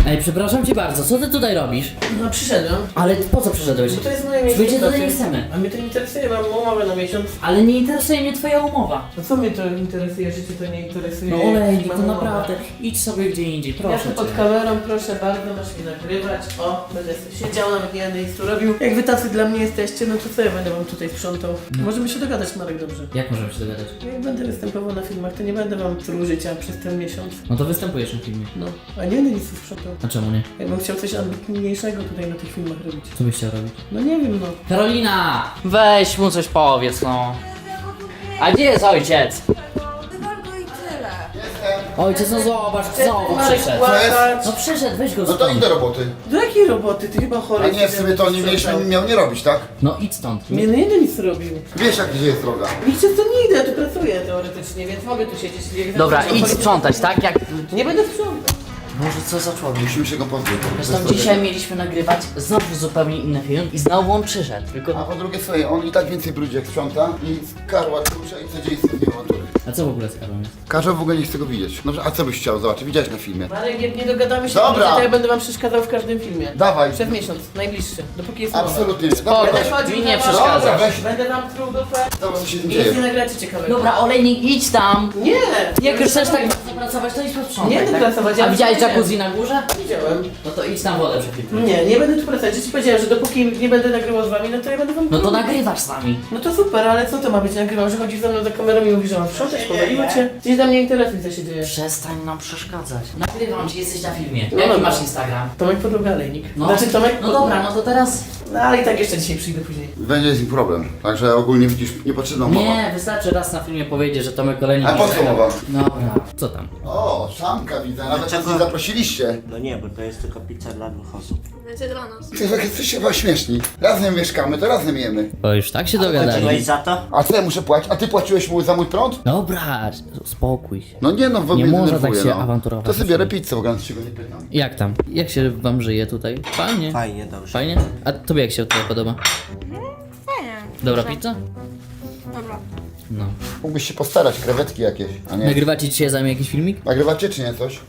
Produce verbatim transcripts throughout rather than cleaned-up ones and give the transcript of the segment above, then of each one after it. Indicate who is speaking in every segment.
Speaker 1: Ej, przepraszam cię bardzo, co ty tutaj robisz?
Speaker 2: No przyszedłem.
Speaker 1: Ale po co przyszedłeś?
Speaker 2: Bo to jest moje miejsce.
Speaker 1: Przyjdzie tutaj
Speaker 2: pracy.
Speaker 1: nie chcemy.
Speaker 2: A mnie to nie interesuje, mam umowę na miesiąc.
Speaker 1: Ale nie interesuje mnie twoja umowa.
Speaker 2: No co mnie to interesuje, że cię to nie interesuje?
Speaker 1: No olejnik,
Speaker 2: Mam
Speaker 1: to
Speaker 2: umowę.
Speaker 1: naprawdę. Idź sobie gdzie indziej,
Speaker 2: Ja
Speaker 1: proszę
Speaker 2: tu pod
Speaker 1: cię.
Speaker 2: kamerą, proszę bardzo, masz mnie nagrywać. O, będę sobie siedział, nawet nie będę nic tu robił. Jak wy tacy dla mnie jesteście, no to co ja będę wam tutaj sprzątał? Możemy się dogadać, Marek, dobrze.
Speaker 1: Jak możemy się dogadać?
Speaker 2: Jak będę występował na filmach, to nie będę wam truł życia przez ten miesiąc.
Speaker 1: No to występujesz na filmie.
Speaker 2: No, a nie będę nic tu sprzątał.
Speaker 1: A czemu nie?
Speaker 2: Jakbym chciał coś ambitniejszego tutaj na tych filmach robić.
Speaker 1: Co byś chciał robić?
Speaker 2: No nie wiem, no.
Speaker 1: Karolina! Weź mu coś powiedz, no. A gdzie jest ojciec?
Speaker 3: Tylko i tyle.
Speaker 1: Ojciec, no zobacz, znowu
Speaker 2: Marek,
Speaker 1: przyszedł.
Speaker 2: płakać.
Speaker 1: No przyszedł, weź go
Speaker 4: No to idź
Speaker 1: stąd.
Speaker 4: do roboty.
Speaker 2: Do jakiej roboty? Ty chyba chory
Speaker 4: A nie, w
Speaker 2: jesteś,
Speaker 4: sumie to nie
Speaker 2: żeby
Speaker 4: mieliśmy,
Speaker 2: sprzątał.
Speaker 4: miał nie robić, tak?
Speaker 1: No idź stąd.
Speaker 2: Nie, no nie będę nic robił.
Speaker 4: Wiesz jak gdzie jest droga.
Speaker 2: Nigdzie to nie idę, ja tu pracuję teoretycznie, więc mogę tu siedzieć. Jak
Speaker 1: Dobra,
Speaker 2: zawsze
Speaker 1: idź
Speaker 2: chory-
Speaker 1: sprzątać, tak? Jak...
Speaker 2: Nie będę sprzątał.
Speaker 1: Boże, co za człowiek.
Speaker 4: Musimy się go pozbyć.
Speaker 1: Zresztą dzisiaj mieliśmy nagrywać znowu zupełnie inny film i znowu on przyszedł,
Speaker 4: A
Speaker 1: tylko...
Speaker 4: po drugie słuchaj, on i tak więcej brudzi jak sprząta i Karła kurczę i co dzieje z tym awantury.
Speaker 1: A co w ogóle z Karolem jest?
Speaker 4: Karzeł w ogóle nie chce go widzieć. No a co byś chciał zobaczyć? Widziałeś na filmie.
Speaker 2: Marek, jak nie dogadamy się,
Speaker 4: Dobra.
Speaker 2: to ja będę wam przeszkadzał w każdym filmie.
Speaker 4: Dawaj.
Speaker 2: Przez miesiąc, najbliższy, dopóki jest mowa.
Speaker 4: Absolutnie nie.
Speaker 1: Spoko.
Speaker 4: Dobra,
Speaker 2: Będę chodził
Speaker 1: Mi
Speaker 2: na
Speaker 1: nie
Speaker 2: was.
Speaker 1: przeszkadzasz.
Speaker 4: Dobra, weź.
Speaker 2: Będę wam truł dupę.
Speaker 4: Zobacz co się z tym
Speaker 2: I nic nie
Speaker 4: dzieje.
Speaker 2: nagracie ciekawego.
Speaker 1: Dobra, olejnik, idź tam!
Speaker 2: Nie!
Speaker 1: Jak już chcesz tak mocno pracować, to idź posprzątaj,
Speaker 2: Nie będę
Speaker 1: tak?
Speaker 2: pracować, ja
Speaker 1: A widziałeś
Speaker 2: nie
Speaker 1: jacuzzi na górze?
Speaker 2: Widziałem.
Speaker 1: No to idź tam wodę przepilnuj.
Speaker 2: Nie, nie będę tu pracować. Ja ci powiedziałem, że dopóki nie będę nagrywał z wami, no to ja będę wam
Speaker 1: No to
Speaker 2: truł.
Speaker 1: nagrywasz z nami.
Speaker 2: No to super, ale co to ma być nagrywał, że chodzisz ze mną za kamerą i mówisz, że mam sprzątać, powaliło cię? Gdzieś tam nie interesuje, co się dzieje.
Speaker 1: Przestań nam przeszkadzać. Nagrywam ci, jesteś na filmie.
Speaker 2: No
Speaker 1: Jaki
Speaker 2: dobra.
Speaker 1: masz Instagram?
Speaker 2: Tomek Podłoga Olejnik.
Speaker 1: No.
Speaker 2: Znaczy Tomek
Speaker 1: No dobra, no to teraz...
Speaker 2: No ale i tak jeszcze dzisiaj przyjdę później.
Speaker 4: Będzie z nim problem. Także ogólnie widzisz, niepotrzebna mowa.
Speaker 1: Nie, wystarczy raz na filmie powiedzieć, że Tomek Olejnik...
Speaker 4: A po co mowa?
Speaker 1: Dobra, co tam?
Speaker 4: O, szamka widzę, nawet nas
Speaker 5: Dlaczego?
Speaker 4: nie zaprosiliście.
Speaker 5: No nie, bo to jest tylko pizza dla dwóch osób.
Speaker 3: Będzie dla nas.
Speaker 4: Ty jak jesteście chyba śmieszni. Razem mieszkamy, to razem jemy.
Speaker 1: Bo już tak się
Speaker 5: Płaciłeś
Speaker 1: dogadali.
Speaker 5: za to?
Speaker 4: A co ja muszę płacić? A ty płaciłeś mu za mój prąd?
Speaker 1: Dobra, spokój się.
Speaker 4: No nie no, w ogóle
Speaker 1: Nie można
Speaker 4: denerwuje,
Speaker 1: tak się
Speaker 4: no.
Speaker 1: awanturować.
Speaker 4: To sobie biorę pizzę, w ogóle się go nie pytam.
Speaker 1: Jak tam? Jak się wam żyje tutaj? Fajnie.
Speaker 5: Fajnie, dobrze.
Speaker 1: Fajnie? A tobie jak się tutaj podoba?
Speaker 3: Fajnie.
Speaker 1: Dobra
Speaker 3: Dobrze.
Speaker 1: pizza?
Speaker 3: Dobra.
Speaker 1: No.
Speaker 4: Mógłbyś się postarać, krewetki jakieś, a nie.
Speaker 1: Nagrywacie dzisiaj za mnie jakiś filmik?
Speaker 4: Nagrywacie czy nie coś?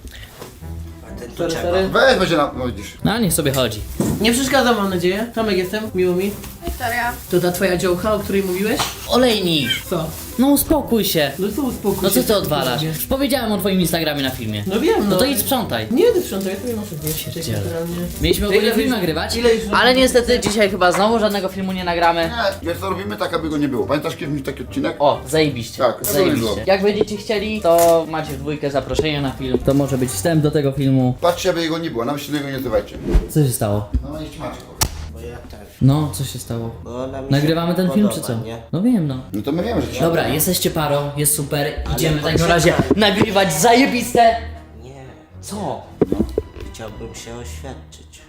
Speaker 5: A ten tu
Speaker 2: Sorry,
Speaker 5: czego?
Speaker 2: sorry.
Speaker 4: Weź, będzie na... no widzisz.
Speaker 1: No niech sobie chodzi.
Speaker 2: Nie przeszkadzam, mam nadzieję. Tomek jestem, miło mi.
Speaker 3: Wiktoria.
Speaker 2: To ta twoja działka, o której mówiłeś?
Speaker 1: Olejnik!
Speaker 2: Co?
Speaker 1: No uspokój się.
Speaker 2: No co uspokój
Speaker 1: No
Speaker 2: się,
Speaker 1: co ty
Speaker 2: tu
Speaker 1: odwalasz?
Speaker 2: robię?
Speaker 1: Już powiedziałem o twoim Instagramie na filmie.
Speaker 2: No wiem, no.
Speaker 1: No to idź sprzątaj.
Speaker 2: Nie będę sprzątał, ja sobie muszę zjeść
Speaker 1: Pierdziele.
Speaker 2: naturalnie.
Speaker 1: Mieliśmy ogólnie
Speaker 2: Ile
Speaker 1: film
Speaker 2: już-
Speaker 1: nagrywać,
Speaker 2: ile już-
Speaker 1: ale niestety dzisiaj chyba znowu żadnego filmu nie nagramy.
Speaker 4: Nie, wiesz co robimy tak, aby go nie było. Pamiętasz kiedyś mi taki odcinek?
Speaker 1: O, zajebiście.
Speaker 4: Tak, to
Speaker 1: zajebiście.
Speaker 4: było.
Speaker 1: Jak będziecie chcieli, to macie w dwójkę zaproszenie na film. To może być wstęp do tego filmu.
Speaker 4: Patrzcie, aby jego nie było, nawet się tego nie nazywajcie.
Speaker 1: Co się stało?
Speaker 4: No no idź Maciek.
Speaker 5: Bo ja też.
Speaker 1: No, co się stało?
Speaker 5: Bo ona mi
Speaker 1: Nagrywamy
Speaker 5: się
Speaker 1: ten film
Speaker 5: podoba,
Speaker 1: czy co?
Speaker 5: Nie?
Speaker 1: No wiem, no.
Speaker 4: No to my wiemy, że ci
Speaker 1: Dobra, jesteście parą, jest super. Idziemy w takim
Speaker 5: poczekaj.
Speaker 1: razie nagrywać zajebiste.
Speaker 5: Nie.
Speaker 1: Co?
Speaker 5: Chciałbym się oświadczyć.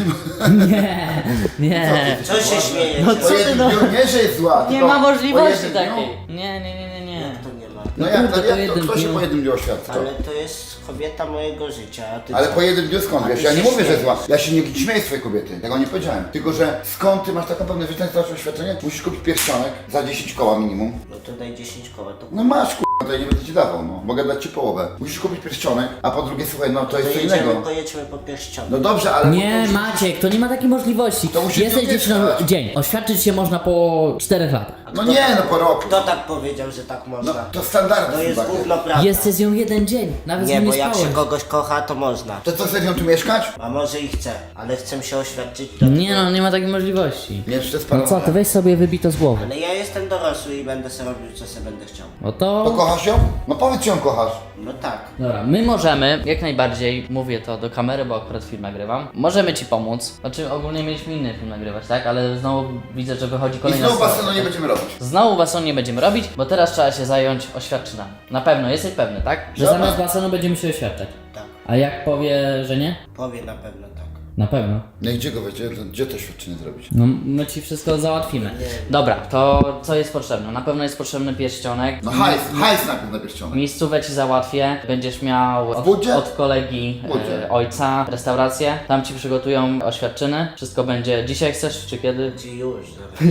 Speaker 1: Nie, nie.
Speaker 5: Co się śmieje?
Speaker 1: No
Speaker 4: Po
Speaker 1: co ty
Speaker 4: jednym
Speaker 1: no?
Speaker 4: dniu nie, że jest zła,
Speaker 1: Nie
Speaker 4: tylko
Speaker 1: ma
Speaker 4: po
Speaker 1: możliwości
Speaker 4: jednym dniu.
Speaker 1: takiej. Nie, nie, nie, nie, nie.
Speaker 5: Jak to nie ma?
Speaker 4: No jak,
Speaker 1: Kurde,
Speaker 4: to,
Speaker 1: po
Speaker 4: jak to,
Speaker 1: jednym
Speaker 4: kto się
Speaker 1: dniu.
Speaker 4: po jednym dniu oświadcza?
Speaker 5: Ale to jest kobieta mojego życia, a ty
Speaker 4: Ale
Speaker 5: co?
Speaker 4: po jednym dniu skąd
Speaker 5: A
Speaker 4: wiesz?
Speaker 5: ty
Speaker 4: Ja nie
Speaker 5: się
Speaker 4: mówię, że
Speaker 5: śmiejesz.
Speaker 4: zła. Ja się nie śmieję z twojej kobiety, tego nie powiedziałem. Tylko, że skąd ty masz taką pewność, że ten stracił oświadczenie? Musisz kupić pierścionek za dziesięć koła minimum.
Speaker 5: No to daj dziesięć koła, to
Speaker 4: No masz k***a, to ja nie będę ci dawał, no. Mogę dać ci połowę. Musisz kupić pierścionek, a po drugie, słuchaj, no to jest
Speaker 5: to
Speaker 4: co
Speaker 5: jedziemy,
Speaker 4: innego.
Speaker 5: pojedźmy po pierścionek.
Speaker 4: No dobrze, ale...
Speaker 1: Nie, Maciek, to nie ma takiej możliwości.
Speaker 4: To musi
Speaker 1: Jesteś
Speaker 4: być
Speaker 1: dziewczyną
Speaker 4: tak.
Speaker 1: dzień. Oświadczyć się można po czterech latach.
Speaker 4: No nie, no po roku.
Speaker 5: Kto tak powiedział, że tak
Speaker 4: No
Speaker 5: można?
Speaker 4: to standardy
Speaker 5: To
Speaker 4: są
Speaker 5: jest
Speaker 4: takie.
Speaker 5: gówno prawda.
Speaker 1: Jesteś z nią jeden dzień, nawet z
Speaker 5: Nie,
Speaker 1: nią
Speaker 5: bo
Speaker 1: nie
Speaker 5: jak się
Speaker 1: spałeś.
Speaker 5: kogoś kocha, to można.
Speaker 4: To co, chcesz ją tu mieszkać?
Speaker 5: A może i chcę, ale chcę się oświadczyć do
Speaker 1: Nie no, nie ma takiej możliwości.
Speaker 4: Nie, jeszcze
Speaker 1: No co,
Speaker 4: spalone.
Speaker 1: ty weź sobie wybij to z głowy.
Speaker 5: Ale ja jestem dorosły i będę sobie robił, co sobie będę chciał.
Speaker 1: No
Speaker 4: To
Speaker 1: to...
Speaker 4: kochasz ją? No powiedz, czy ją kochasz.
Speaker 5: No tak.
Speaker 1: Dobra, my możemy, jak najbardziej, mówię to do kamery, bo akurat film nagrywam, możemy ci pomóc. Znaczy ogólnie mieliśmy inny film nagrywać, tak? Ale znowu widzę, że wychodzi
Speaker 4: I
Speaker 1: kolejna
Speaker 4: znowu
Speaker 1: strona.
Speaker 4: basenu nie będziemy robić.
Speaker 1: Znowu basenu nie będziemy robić, bo teraz trzeba się zająć oświadczynami. Na pewno, jesteś pewny, tak? Że
Speaker 4: Dobra.
Speaker 1: zamiast basenu będziemy się oświadczać.
Speaker 5: Tak.
Speaker 1: A jak powie, że nie?
Speaker 5: Powie na pewno tak.
Speaker 1: Na pewno.
Speaker 4: No i gdzie go wiecie? Gdzie to świadczenie zrobić?
Speaker 1: No my ci wszystko załatwimy. Dobra, to co jest potrzebne? Na pewno jest potrzebny pierścionek.
Speaker 4: No hajs, hajs najpierw na pierścionek.
Speaker 1: Miejscówę ci załatwię, będziesz miał od,
Speaker 4: Budzie?
Speaker 1: od kolegi
Speaker 4: Budzie.
Speaker 1: e, ojca restaurację, tam ci przygotują oświadczyny, wszystko będzie dzisiaj chcesz czy kiedy?
Speaker 5: Ci już. Zaraz.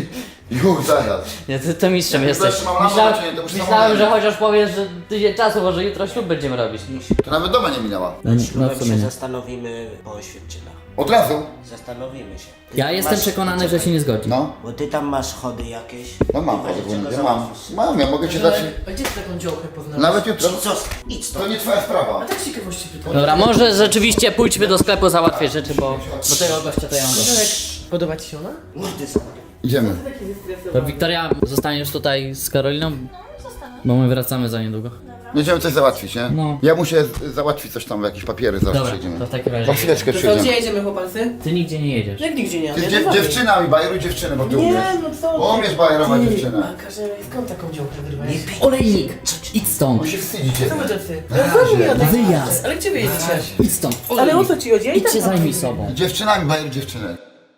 Speaker 4: Już, zaraz.
Speaker 1: Nie, ty to mistrzem
Speaker 4: Jak
Speaker 1: jesteś.
Speaker 4: będziesz miał lama,
Speaker 1: Myślałem,
Speaker 4: to nie, to już
Speaker 1: myślałem
Speaker 4: samochód.
Speaker 1: że chociaż powiesz, że tydzień czasu, może jutro ślub będziemy robić.
Speaker 4: To nawet doma nie minęła.
Speaker 1: No, no
Speaker 5: Ślubem
Speaker 1: w sumie
Speaker 5: się
Speaker 1: nie.
Speaker 5: zastanowimy po oświadczynach.
Speaker 4: Od razu?
Speaker 5: Zastanowimy się. Ty
Speaker 1: Ja
Speaker 5: tam
Speaker 1: jestem
Speaker 5: masz-
Speaker 1: przekonany, że się nie zgodzi.
Speaker 4: No.
Speaker 5: Bo ty tam masz chody jakieś.
Speaker 4: No mam,
Speaker 5: W razie
Speaker 4: powiem,
Speaker 5: czego
Speaker 4: ja mam.
Speaker 5: załatwisz.
Speaker 4: Mam, ja mogę cię dać.
Speaker 2: A gdzie ty taką działkę poznałeś?
Speaker 4: Nawet jutro.
Speaker 5: Idź, zos- idź
Speaker 4: To
Speaker 5: stąd.
Speaker 4: nie twoja
Speaker 2: A
Speaker 4: sprawa.
Speaker 2: tak z ciekawości pytam.
Speaker 1: Dobra, może rzeczywiście pójdźmy do sklepu załatwić rzeczy, bo do tego gościa to ja mam dość.
Speaker 2: Marek, podoba ci się ona?
Speaker 5: Mordy są.
Speaker 4: Idziemy.
Speaker 2: Taki wystresowany.
Speaker 1: To Wiktoria, zostaniesz tutaj z Karoliną? Bo my wracamy za niedługo.
Speaker 4: Będziemy coś załatwić, nie?
Speaker 1: No.
Speaker 4: Ja muszę z- załatwić coś tam, jakieś papiery, zaraz
Speaker 1: Dobra,
Speaker 4: przyjdziemy.
Speaker 1: to w takim razie.
Speaker 4: Po chwileczkę
Speaker 2: To co, gdzie
Speaker 4: przyjdziemy.
Speaker 2: jedziemy chłopacy?
Speaker 1: Ty nigdzie nie jedziesz.
Speaker 2: Jak nigdzie nie
Speaker 4: Ty
Speaker 2: jadę,
Speaker 4: dziew-
Speaker 2: z wami.
Speaker 4: dziewczynami, bajeruj dziewczynę, bo ty umiesz.
Speaker 2: Nie, no co?
Speaker 4: Umiesz bajerować
Speaker 2: Ty,
Speaker 4: dziewczynę.
Speaker 2: A Karzena, skąd taką działkę wyrwałeś?
Speaker 1: Olejnik, idź stąd.
Speaker 4: Bo się wstydzicie.
Speaker 2: Co wy tacy?
Speaker 4: Na
Speaker 2: Ja z wami
Speaker 4: razie.
Speaker 2: jadę.
Speaker 1: Wyjazd.
Speaker 2: Ale gdzie wy jedziecie?
Speaker 1: Idź stąd.
Speaker 2: Ale o co ci chodzi? Ja i
Speaker 1: Idź
Speaker 2: tak
Speaker 1: się
Speaker 2: mam
Speaker 1: zajmij
Speaker 2: powiedzieć.
Speaker 1: sobą.
Speaker 4: Dziewczynami bajeruj dziewczynę.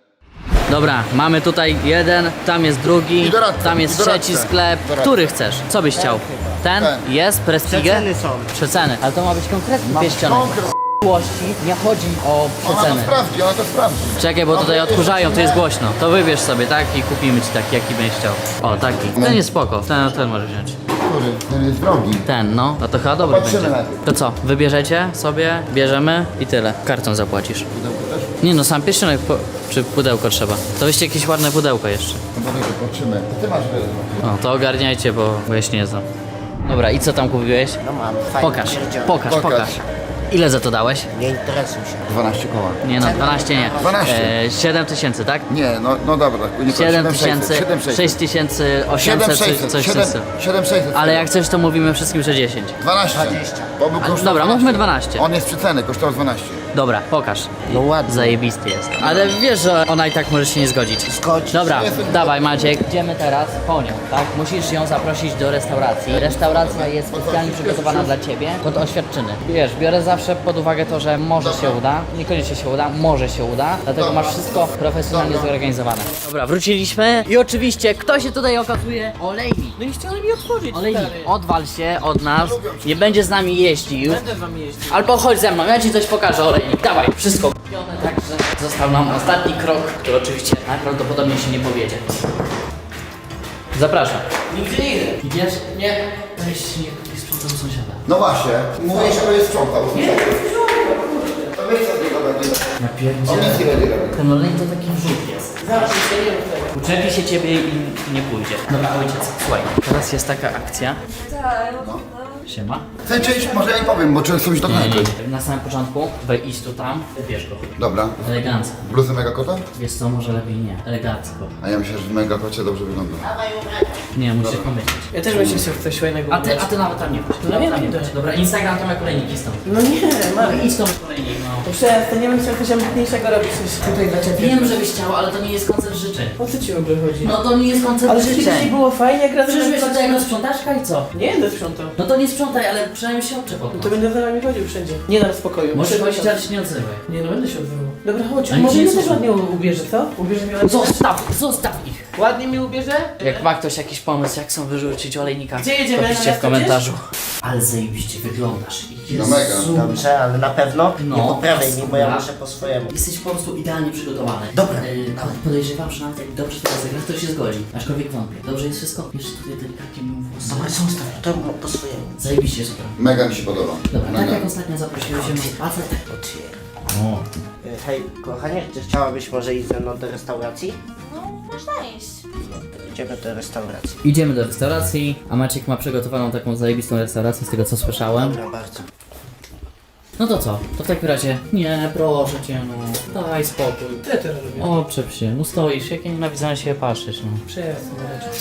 Speaker 1: Dobra, mamy tutaj jeden, tam jest drugi,
Speaker 4: I doradcę,
Speaker 1: tam jest
Speaker 4: i doradcę.
Speaker 1: trzeci sklep.
Speaker 4: Doradcę.
Speaker 1: Który chcesz? Co byś chciał? Ten?
Speaker 4: Ten.
Speaker 1: Jest? Prestige?
Speaker 5: Przeceny są.
Speaker 1: Przeceny. Ale to ma być konkretnie
Speaker 4: Mam
Speaker 1: pieściane.
Speaker 4: konkret.
Speaker 1: Miłości nie chodzi o
Speaker 4: Ona to
Speaker 1: przeceny.
Speaker 4: sprawdzi, ona to sprawdzi.
Speaker 1: Czekaj, bo tutaj odkurzają, to jest głośno. To wybierz sobie, tak? I kupimy ci taki, jaki będziesz chciał. O, taki. Ten jest spoko. Ten, ten możesz wziąć.
Speaker 4: Który? Ten jest drogi.
Speaker 1: Ten, no. No to chyba dobry
Speaker 4: Patrzymy
Speaker 1: będzie.
Speaker 4: najpierw.
Speaker 1: To co? Wybierzecie sobie, bierzemy i tyle. Kartą zapłacisz.
Speaker 4: Pudełko też?
Speaker 1: Nie no, sam pierścionek po... czy pudełko trzeba. To weźcie jakieś ładne pudełko jeszcze.
Speaker 4: No to dobrze, patrzymy. Ty masz wiele.
Speaker 1: No, to ogarniajcie, bo, bo ja się nie znam. Dobra, i co tam kupiłeś?
Speaker 5: No mam, fajnie.
Speaker 1: Pokaż,
Speaker 5: pierdzielę.
Speaker 1: pokaż,
Speaker 4: Pokaż.
Speaker 1: pokaż. Ile za to dałeś?
Speaker 5: Nie interesuj się.
Speaker 4: dwanaście koła.
Speaker 1: Nie no, dwanaście nie.
Speaker 4: dwanaście.
Speaker 1: E, siedem tysięcy, tak?
Speaker 4: Nie, no, no dobra. Nie
Speaker 1: siedem tysięcy, sześć tysięcy osiemset, coś coś w tym stylu.
Speaker 4: siedem sześćset.
Speaker 1: Ale jak coś, to mówimy wszystkim, że dziesięć.
Speaker 4: dwanaście.
Speaker 5: dwadzieścia.
Speaker 4: Bo był
Speaker 1: A,
Speaker 4: kosztował
Speaker 1: dobra,
Speaker 4: dwanaście.
Speaker 1: mówmy dwanaście.
Speaker 4: On jest przeceny, kosztował dwanaście.
Speaker 1: Dobra, pokaż.
Speaker 5: No ładnie.
Speaker 1: Zajebisty jest. Ale wiesz, że ona i tak może się nie zgodzić.
Speaker 5: Zgodź.
Speaker 1: Dobra,
Speaker 4: Jestem-
Speaker 1: dawaj Maciek, idziemy teraz po nią, tak? Musisz ją zaprosić do restauracji. Restauracja jest specjalnie przygotowana dla ciebie pod oświadczyny. Wiesz, biorę zawsze pod uwagę to, że może się uda, niekoniecznie się uda, może się uda, dlatego
Speaker 4: Dobra.
Speaker 1: masz wszystko profesjonalnie zorganizowane. Dobra, wróciliśmy i oczywiście kto się tutaj okazuje? Olejnik.
Speaker 2: No nie chciałem mi otworzyć,
Speaker 1: Olejnik,
Speaker 2: stary.
Speaker 1: odwal się od nas, nie będzie z nami jeździł.
Speaker 2: Będę z wami jeździć.
Speaker 1: Albo chodź ze mną, ja ci coś pokażę, Olejnik, dawaj, wszystko kupione, także został nam ostatni krok, który oczywiście najprawdopodobniej się nie powiedzie. Zapraszam.
Speaker 2: Nigdzie nie idę.
Speaker 1: Idziesz?
Speaker 2: Nie.
Speaker 1: Weź nie, nie sprzątam sąsiada.
Speaker 4: No właśnie. Mówię, że to jest sprzątał. Nie, to wiesz co z niego będzie.
Speaker 1: Ja
Speaker 4: On nic nie będzie robił.
Speaker 1: Ten olejnik to taki wrzut jest.
Speaker 2: Zawsze się nie mów tego.
Speaker 1: Uczepi się ciebie i nie pójdzie. Dobra, ojciec, słuchaj, teraz jest taka akcja.
Speaker 3: Tak.
Speaker 1: Siema.
Speaker 4: Chcę część, może ja nie powiem, bo często już do
Speaker 1: Nie, nie,
Speaker 4: knajpy.
Speaker 1: nie. Na samym początku, wej idź tu tam, wybierz go.
Speaker 4: Dobra.
Speaker 1: Elegancko.
Speaker 4: Bluzę mega kota?
Speaker 1: Wiesz co, może lepiej nie. Elegancko.
Speaker 4: A ja myślę, że w mega kocie dobrze wygląda.
Speaker 1: Nie, musisz pomyśleć.
Speaker 2: Ja też bym się chciał coś fajnego
Speaker 1: A ty, a ty nawet tam nie chodź.
Speaker 2: No
Speaker 1: Nawet
Speaker 2: nie
Speaker 1: tam nie
Speaker 2: będę.
Speaker 1: chodź. Dobra, Instagram to jak olejniki stąd.
Speaker 2: No nie, Marek.
Speaker 1: Idź stąd olejnik, no.
Speaker 2: To przestań, nie bym chciał coś ambitniejszego robić niż tutaj dla ciebie.
Speaker 1: Wiem, żebyś chciał, ale to nie jest koncert życzeń.
Speaker 2: O co ci w ogóle chodzi?
Speaker 1: No to nie jest koncert
Speaker 2: Ale kiedyś
Speaker 1: życzeń.
Speaker 2: było fajnie, jak razem...
Speaker 1: Przyszłeś tutaj jako sprzątaczka i co?
Speaker 2: Nie będę sprzątał.
Speaker 1: No to nie sprzątaj, ale przynajmniej się odczep od
Speaker 2: No
Speaker 1: nas.
Speaker 2: to będę za wami chodził wszędzie. Nie dam spokoju.
Speaker 1: Możesz
Speaker 2: Muszę
Speaker 1: chodzić,
Speaker 2: miesiąc.
Speaker 1: ale się nie odzywaj.
Speaker 2: Nie no, będę się odzywał. Dobra, chodź,
Speaker 1: Ale
Speaker 2: może
Speaker 1: nie
Speaker 2: mnie też
Speaker 1: jesteś-
Speaker 2: ładnie u- ubierze, co? Ubierze mnie ładnie?
Speaker 1: Zostaw, zostaw ich.
Speaker 2: Ładnie mi ubierze?
Speaker 1: Jak ma ktoś jakiś pomysł, jak są wyrzucić olejnika,
Speaker 2: Gdzie jedziemy?
Speaker 1: to piszcie
Speaker 2: Na
Speaker 1: w
Speaker 2: miasto
Speaker 1: komentarzu. Ale zajebiście wyglądasz.
Speaker 4: No mega.
Speaker 1: Jezu.
Speaker 5: Dobrze, ale na pewno
Speaker 1: No,
Speaker 5: nie poprawiaj mi, bo ja
Speaker 1: dobra.
Speaker 5: muszę po swojemu.
Speaker 1: Jesteś po prostu idealnie przygotowany.
Speaker 5: Dobra.
Speaker 1: Yy, nawet podejrzewam, że nawet jak dobrze to rozegrasz, to się zgodzi. Aczkolwiek wątpię. Dobrze jest wszystko? Jeszcze tutaj delikatnie mym włosy.
Speaker 5: Dobra, zostaw, to po swojemu.
Speaker 1: Zajebiście super.
Speaker 4: Mega mi się podoba.
Speaker 1: Dobra, tak
Speaker 4: Mega.
Speaker 1: jak ostatnio zaprosiłeś się na spacer, tak
Speaker 5: Otwieram.
Speaker 1: o.
Speaker 5: E, Hej, kochanie, czy chciałabyś może iść ze mną do restauracji?
Speaker 3: No, można iść.
Speaker 5: No, to idziemy do restauracji.
Speaker 1: Idziemy do restauracji, a Maciek ma przygotowaną taką zajebistą restaurację, z tego co słyszałem.
Speaker 5: Dobra, bardzo.
Speaker 1: No to co? To w takim razie, nie, proszę cię, no, daj spokój.
Speaker 2: Co ja teraz robię?
Speaker 1: O, przep się, no stoisz, jak ja nienawidzę na siebie patrzeć, no.
Speaker 2: Przestań, Marek.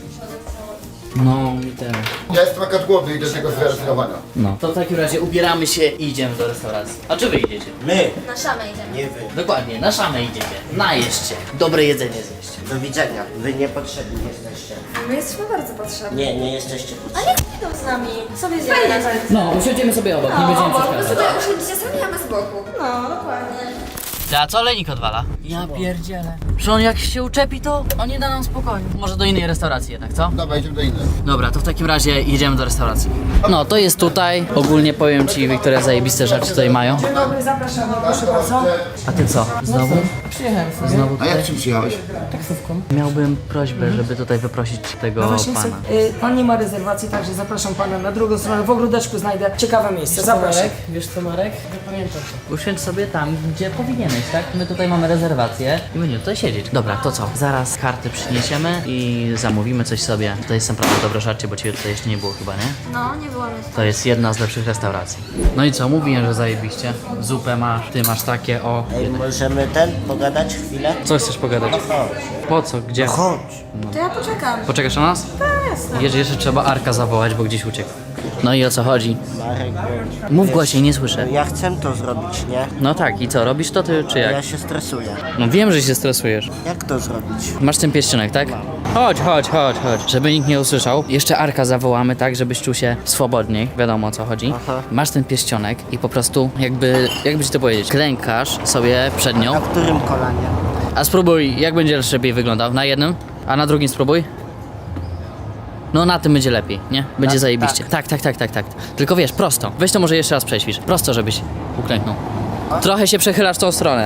Speaker 1: No, mi też.
Speaker 4: Ja jestem akurat głodny i do tego zrealizowania.
Speaker 1: No, to w takim razie ubieramy się i idziemy do restauracji. A czy wy idziecie?
Speaker 5: My,
Speaker 3: Na szamę idziemy.
Speaker 5: nie wy.
Speaker 1: Dokładnie, na szamę idziecie. Najeść się. Dobre jedzenie zjeść.
Speaker 5: Do widzenia. Wy niepotrzebni jesteście.
Speaker 3: My jesteśmy bardzo potrzebni.
Speaker 5: Nie, nie jesteście
Speaker 3: A
Speaker 5: potrzebni.
Speaker 3: niech idą z nami. Sobie zjedziemy.
Speaker 1: No, usiądziemy sobie obok, nie
Speaker 3: No,
Speaker 1: będziemy
Speaker 3: bo wy
Speaker 1: przeszkadzać.
Speaker 3: sobie usiądziecie sami, a my z boku. No, dokładnie.
Speaker 1: Ty, a co olejnik odwala? Ja pierdzielę. Że on jak się uczepi, to on nie da nam spokoju. Może do innej restauracji jednak, co?
Speaker 4: Dobra, idziemy do innej.
Speaker 1: Dobra, to w takim razie jedziemy do restauracji. No, to jest tutaj. Ogólnie powiem ci, Wiktoria, zajebiste rzeczy tutaj mają.
Speaker 2: Dzień dobry, zapraszamy, proszę bardzo.
Speaker 1: A ty co? Znowu?
Speaker 2: Przyjechałem sobie.
Speaker 1: Znowu
Speaker 4: A
Speaker 1: tutaj?
Speaker 4: jak czym przyjechałeś?
Speaker 2: Taksówką.
Speaker 1: Miałbym prośbę, żeby tutaj wyprosić tego
Speaker 6: No właśnie,
Speaker 1: pana.
Speaker 6: y, pan nie ma rezerwacji, także zapraszam pana na drugą stronę. W ogródeczku znajdę ciekawe miejsce. Zapraszam.
Speaker 2: Marek, wiesz co Marek? Zapamiętam to.
Speaker 1: Usiądź sobie tam, gdzie powinieneś, tak? My tutaj mamy rezerwację i będziemy tutaj siedzieć. Dobra, to co? Zaraz karty przyniesiemy i zamówimy coś sobie. Tutaj jest naprawdę dobre żarcie, bo ciebie tutaj jeszcze nie było chyba, nie?
Speaker 3: No, nie było mnie.
Speaker 1: To jest jedna z lepszych restauracji. No i co? Mówiłem, że zajebiście. Zupę masz, ty masz takie, o.
Speaker 5: Ej, możemy ten, pogadać chwilę?
Speaker 1: Co chcesz pogadać?
Speaker 5: No chodź.
Speaker 1: Po co? Gdzie?
Speaker 5: Chodź.
Speaker 3: To ja poczekam.
Speaker 1: Poczekasz na nas?
Speaker 3: Tak, jasne.
Speaker 1: Jeszcze, jeszcze trzeba Arka zawołać, bo gdzieś uciekł. No i o co chodzi?
Speaker 5: Marek, bądź.
Speaker 1: Mów głośniej, nie słyszę.
Speaker 5: Ja chcę to zrobić, nie?
Speaker 1: No tak, i co? Robisz to ty, czy jak?
Speaker 5: Ja się stresuję.
Speaker 1: No wiem, że się stresujesz.
Speaker 5: Jak to zrobić?
Speaker 1: Masz ten pierścionek, tak? Chodź, chodź, chodź, chodź. Żeby nikt nie usłyszał. Jeszcze Arka zawołamy, tak, żebyś czuł się swobodniej. Wiadomo o co chodzi.
Speaker 5: Aha.
Speaker 1: Masz ten pierścionek i po prostu jakby, jakby ci to powiedzieć, klękasz sobie przed nią.
Speaker 5: Na którym kolanie?
Speaker 1: A spróbuj, jak będzie lepiej wyglądał? Na jednym? A na drugim spróbuj? No na tym będzie lepiej, nie? Będzie
Speaker 5: Tak,
Speaker 1: zajebiście. Tak, tak, tak, tak, tak. Tylko wiesz, prosto. Weź to może jeszcze raz przećwicz. Prosto, żebyś uklęknął. Trochę się przechylasz w tą stronę.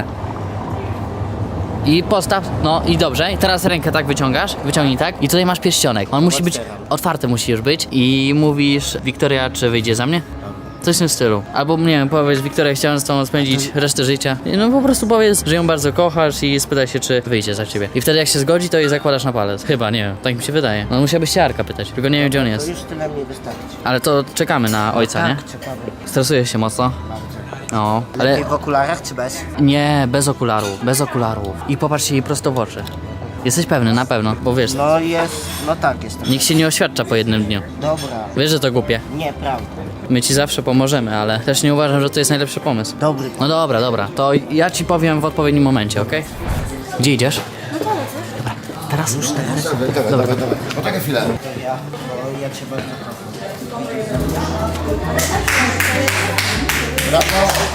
Speaker 1: I postaw, no i dobrze. I teraz rękę tak wyciągasz, wyciągnij tak. I tutaj masz pierścionek. On musi być,
Speaker 5: Otwieram.
Speaker 1: otwarty musi już być. I mówisz, Wiktoria, czy wyjdzie za mnie? Coś w tym stylu. Albo nie wiem, powiedz, Wiktoria, chciałem z tobą spędzić resztę życia. No po prostu powiedz, że ją bardzo kochasz i spytaj się, czy wyjdzie za ciebie. I wtedy jak się zgodzi, to jej zakładasz na palec. Chyba, nie wiem, tak mi się wydaje. No musiałbyś się Arka pytać, tylko nie wiem, gdzie on
Speaker 5: To
Speaker 1: jest.
Speaker 5: już tyle mi wystarczy.
Speaker 1: Ale to czekamy na ojca, nie?
Speaker 5: Tak, ciekawe.
Speaker 1: Stresujesz się mocno? No, ale
Speaker 5: Lepiej w okularach czy bez?
Speaker 1: nie, bez okularów, bez okularów. I popatrz jej prosto w oczy. Jesteś pewny, na pewno, bo wiesz,
Speaker 5: No jest, no tak jestem.
Speaker 1: nikt się nie oświadcza po jednym dniu.
Speaker 5: Dobra.
Speaker 1: Wiesz, że to głupie.
Speaker 5: Nieprawda.
Speaker 1: My ci zawsze pomożemy, ale też nie uważam, że to jest najlepszy pomysł.
Speaker 5: Dobry.
Speaker 1: No dobra, dobra, to ja ci powiem w odpowiednim momencie, okej? Gdzie idziesz?
Speaker 3: No to lecę.
Speaker 1: Dobra, teraz już teraz.
Speaker 4: Dawaj, dawaj, dawaj, dawaj. Poczekaj chwilę.
Speaker 5: Ja, bo ja cię bardzo kocham.
Speaker 4: Brawo.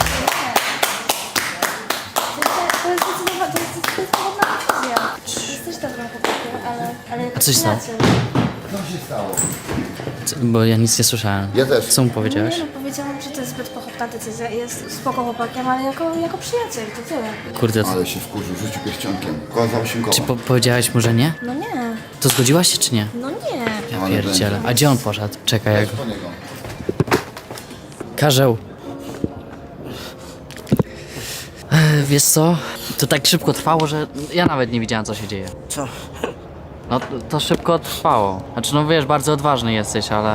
Speaker 3: To jest zdecydowana, to jest zdecydowana decyzja. Jesteś dobrą chłopakiem, ale... ale jako
Speaker 1: A co się stało?
Speaker 3: przyjaciel.
Speaker 4: Co się stało?
Speaker 1: Co- Bo ja nic nie słyszałem.
Speaker 4: Ja też.
Speaker 1: Co mu powiedziałeś?
Speaker 3: Nie no, powiedziałam, że to jest zbyt pochopna decyzja. Jest spoko chłopakiem, ale jako, jako przyjaciel, to tyle.
Speaker 1: Kurde,
Speaker 4: Ale się wkurzył, rzucił pierścionkiem. Koło za osiem koła.
Speaker 1: czy po powiedziałeś mu, że nie?
Speaker 3: No nie,
Speaker 1: To zgodziłaś się, czy nie?
Speaker 3: no nie.
Speaker 1: Ja
Speaker 4: Ale
Speaker 1: pierdzielę. A gdzie on poszedł? Czekaj, jak...
Speaker 4: Chodź po niego.
Speaker 1: Karzeł. Ech, Wiesz co? To tak szybko trwało, że ja nawet nie widziałem, co się dzieje.
Speaker 5: Co?
Speaker 1: No to, to szybko trwało. Znaczy, no wiesz, bardzo odważny jesteś, ale...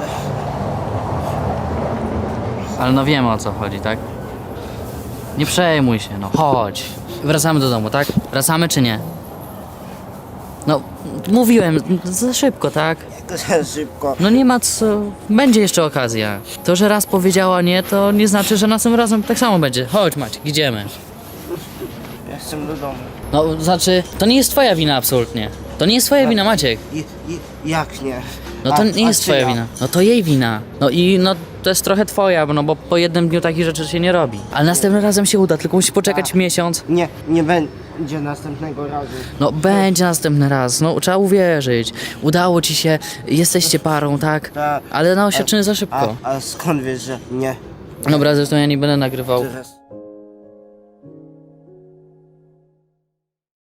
Speaker 1: Ale no wiemy, o co chodzi, tak? Nie przejmuj się, no chodź. Wracamy do domu, tak? Wracamy czy nie? No, mówiłem, za szybko, tak?
Speaker 5: To za szybko.
Speaker 1: No nie ma co, będzie jeszcze okazja. To, że raz powiedziała nie, to nie znaczy, że następnym razem tak samo będzie. Chodź Maciek, idziemy.
Speaker 5: Ja chcę do domu.
Speaker 1: No, znaczy, to nie jest twoja wina absolutnie. To nie jest twoja wina, Maciek.
Speaker 5: I, i, jak nie?
Speaker 1: No to
Speaker 5: A-
Speaker 1: nie
Speaker 5: a
Speaker 1: jest
Speaker 5: czy
Speaker 1: twoja
Speaker 5: ja?
Speaker 1: wina. No to jej wina. No i no to jest trochę twoja, no bo po jednym dniu takich rzeczy się nie robi. Ale następnym razem się uda, tylko musi poczekać miesiąc.
Speaker 5: Nie, nie będzie następnego razu.
Speaker 1: No będzie następny raz, no trzeba uwierzyć. Udało ci się, jesteście parą, tak?
Speaker 5: Tak.
Speaker 1: Ale na oświadczenie za szybko.
Speaker 5: A, a skąd wiesz, że nie?
Speaker 1: Dobra, zresztą ja nie będę nagrywał.
Speaker 5: Teraz.